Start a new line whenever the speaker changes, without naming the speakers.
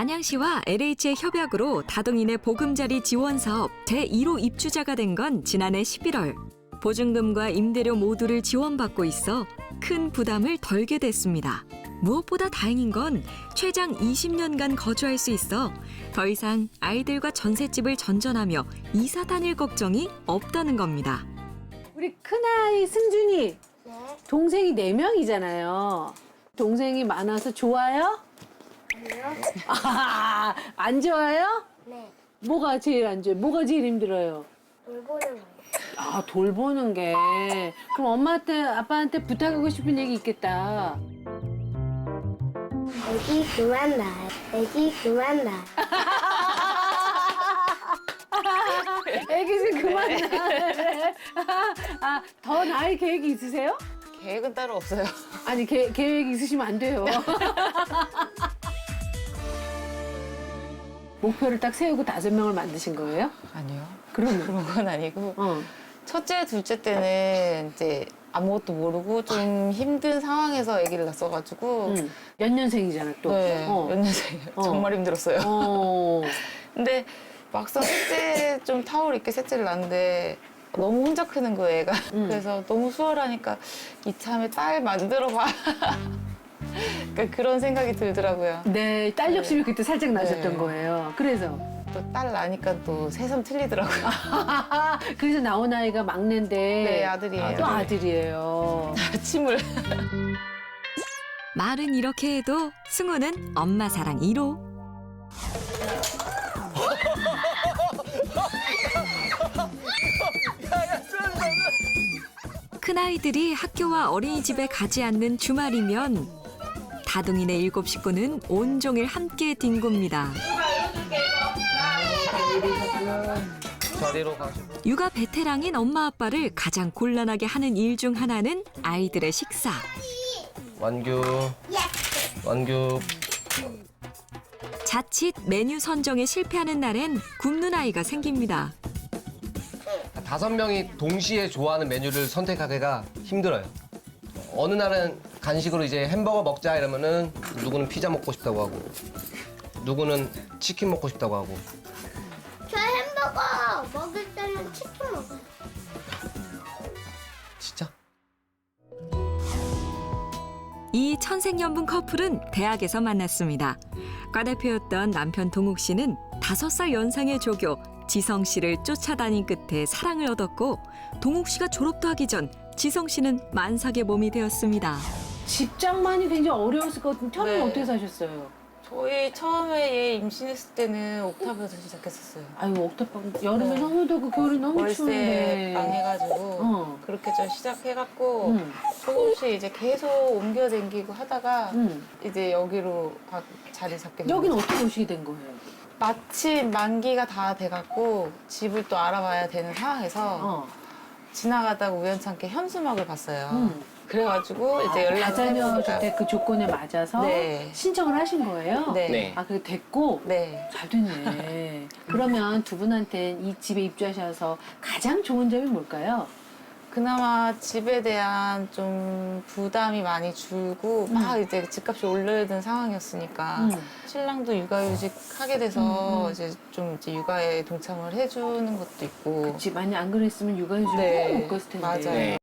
안양시와 LH의 협약으로 다둥이네 보금자리 지원 사업 제1호 입주자가 된 건 지난해 11월. 보증금과 임대료 모두를 지원받고 있어 큰 부담을 덜게 됐습니다. 무엇보다 다행인 건 최장 20년간 거주할 수 있어 더 이상 아이들과 전셋집을 전전하며 이사 다닐 걱정이 없다는 겁니다.
우리 큰아이 승준이
네.
동생이 4명이잖아요. 동생이 많아서 좋아요?
아니요?
안 좋아요?
네.
뭐가 제일 안 좋아요? 뭐가 제일 힘들어요?
돌보는 거예요.
아, 돌보는 게. 그럼 엄마한테, 아빠한테 부탁하고 싶은 얘기 있겠다.
애기 그만 나. 애기 그만 나.
애기 좀 그만 낳으래. 더 낳을 계획이 있으세요?
계획은 따로 없어요.
아니, 계획 있으시면 안 돼요. 목표를 딱 세우고 5명을 만드신 거예요?
아니요.
그러면?
그런 건 아니고.
어.
첫째, 둘째 때는 이제 아무것도 모르고 좀 힘든 상황에서 아기를 낳았어가지고.
응. 몇 년생이잖아, 또.
네,
어.
몇 년생이에요.
어.
정말 힘들었어요.
어.
근데 막상 셋째 좀 타월 있게 셋째를 낳는데 너무 혼자 크는 거예요, 애가. 그래서 너무 수월하니까 이참에 딸 만들어봐. 그러니까 그런 생각이 들더라고요.
네, 딸 욕심이 그때 살짝 나셨던
네.
거예요. 그래서.
또 딸 나니까 또 새삼 틀리더라고요.
그래서 나온 아이가 막내인데.
네, 아들이에요.
또 아들이에요.
침을.
말은 이렇게 해도 승우는 엄마 사랑 1호. 큰아이들이 학교와 어린이집에 가지 않는 주말이면 다둥이네 7 식구는 온종일 함께 뒹굽니다.
자리로 가시고.
육아 베테랑인 엄마 아빠를 가장 곤란하게 하는 일 중 하나는 아이들의 식사.
완규. 완규.
자칫 메뉴 선정에 실패하는 날엔 굶는 아이가 생깁니다.
5명이 동시에 좋아하는 메뉴를 선택하기가 힘들어요. 어느 날은 간식으로 이제 햄버거 먹자 이러면은 누구는 피자 먹고 싶다고 하고 누구는 치킨 먹고 싶다고 하고.
저 햄버거 먹을 때는 치킨 먹어요.
진짜?
이 천생연분 커플은 대학에서 만났습니다. 과대표였던 남편 동욱 씨는 5살 연상의 조교 지성 씨를 쫓아다닌 끝에 사랑을 얻었고 동욱 씨가 졸업도 하기 전 지성 씨는 만삭의 몸이 되었습니다.
집장만이 굉장히 어려웠을 것 같은데 처음에
네.
어떻게 사셨어요?
저희 처음에 얘 임신했을 때는 옥탑에서 시작했었어요.
아유, 옥탑방 여름에
네.
너무 덥고 겨울에 너무
월세
추운데.
방해가지고
어.
그렇게 좀 시작해갖고
응.
조금씩 이제 계속 옮겨 다니고 하다가
응.
이제 여기로 자리 잡게 된
여기는
거죠.
어떻게 오시게 된 거예요?
마침 만기가 다 돼갖고 집을 또 알아봐야 되는 상황에서
어.
지나가다가 우연찮게 현수막을 봤어요.
응.
그래가지고 이제 연락을
다자녀
해보니까
주택 그 조건에 맞아서
네.
신청을 하신 거예요?
네.
네.
아, 그게 됐고?
네.
잘 됐네. 그러면 두 분한테 이 집에 입주하셔서 가장 좋은 점이 뭘까요?
그나마 집에 대한 좀 부담이 많이 줄고 막 이제 집값이 올라든 상황이었으니까 신랑도 육아휴직 하게 돼서 이제 좀 이제 육아에 동참을 해주는 것도 있고
집 많이 안 그랬으면 육아휴직
네.
못 갔을 텐데.
맞아요.
네.